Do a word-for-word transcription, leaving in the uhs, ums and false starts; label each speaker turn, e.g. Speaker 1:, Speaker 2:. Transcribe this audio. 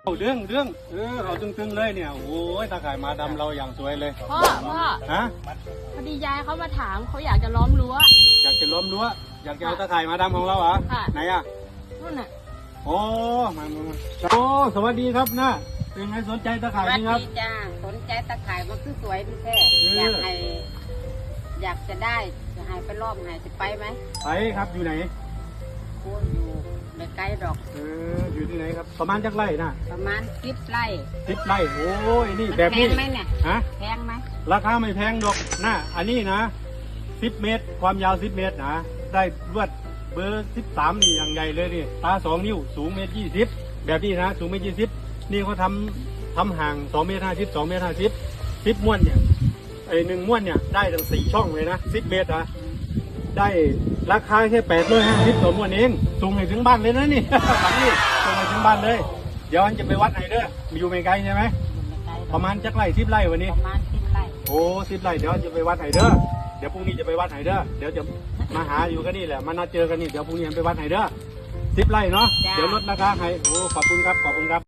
Speaker 1: เอาเรื่องเรื่องเออเอาตึงๆเลยเนี่ยโอ้ยตาข่ายมาดำเราอย่างสวยเลย
Speaker 2: พ่อพ่อ
Speaker 1: ฮะ
Speaker 2: พอดียายเขามาถามเขาอยากจะล้อมรั้ว
Speaker 1: อยากจะล้อมรั้วอยากจะเอาตาข่ายมาดำของเราเหรอ
Speaker 2: ค่ะ
Speaker 1: ไหนอ่ะ
Speaker 2: นู่นน่ะ
Speaker 1: โอ้มามามาโอ้สวัสดีครับนะเป็นไงสนใจตาข่าย
Speaker 3: สวัส
Speaker 1: นี่ครับ
Speaker 3: ดีจ้าสนใจตะข่ายมันคือสวยพี่แท้
Speaker 1: เออ
Speaker 3: อ
Speaker 1: อ
Speaker 3: ยากให้อยากจะได้จะให้ไปรอบให้จะไปไหม
Speaker 1: ไปครับอยู่ไหน
Speaker 3: โอ้ยอยู่ในไกลดอก
Speaker 1: เอออยู่ที่ไหนครับประมาณจักไร่นะ
Speaker 3: ประมาณสิบไร่
Speaker 1: สิบไร่โอ้ยนี่
Speaker 3: มัน
Speaker 1: แบบ
Speaker 3: แพ
Speaker 1: นี้
Speaker 3: งไหมเนี่ย
Speaker 1: ฮะ
Speaker 3: แพงไหม
Speaker 1: ราคาไม่แพงดอกนะอันนี้นะสิบเมตร ความยาวสิบเมตรนะได้ลวดเบอร์สิบสามนี่อย่างใหญ่เลยนี่ตาสองนิ้วสูงเมตรยี่สิบแบบนี้นะสูงเมตรยี่สิบนี่เขาทำทำห่างสองเมตรห้าสิบสองเมตรห้าสิบสิบม้วนเนี่ยไอหนึ่งม้วนเนี่ยได้ถึงสี่ช่องเลยนะสิบเมตรนะได้ราคาแค่แปดร้อยห้าสิบต่อม้วนเองส่งให้ถึงบ้านเลยนะนี่ แบบนี้ส่งให้ถึงบ้านเลย เดี๋ยวอันจะไปวัดไหนเด้ออยู่ไม่ไกลใช่ไหม
Speaker 3: อยู่ในไกลด
Speaker 1: ป
Speaker 3: อก
Speaker 1: ระมาณจักไร่สิบไร่วันนี้
Speaker 3: ประมาณสิบไร่
Speaker 1: โอ้สิบไร่เดี๋ยวจะไปวัดไหนเด้อเดี๋ยวพรุ่งนี้จะไปวัดไหนเด้อเดี๋ยวจะมาหาอยู่กันนี่แหละมานัดเจอกันนี่เดี๋ยวพรุ่งนี้ไปวัดไหนเด้อสิบไร่เนาะเดี๋ยวลดราคาให้โอ้ขอบคุณครับขอบคุณครับ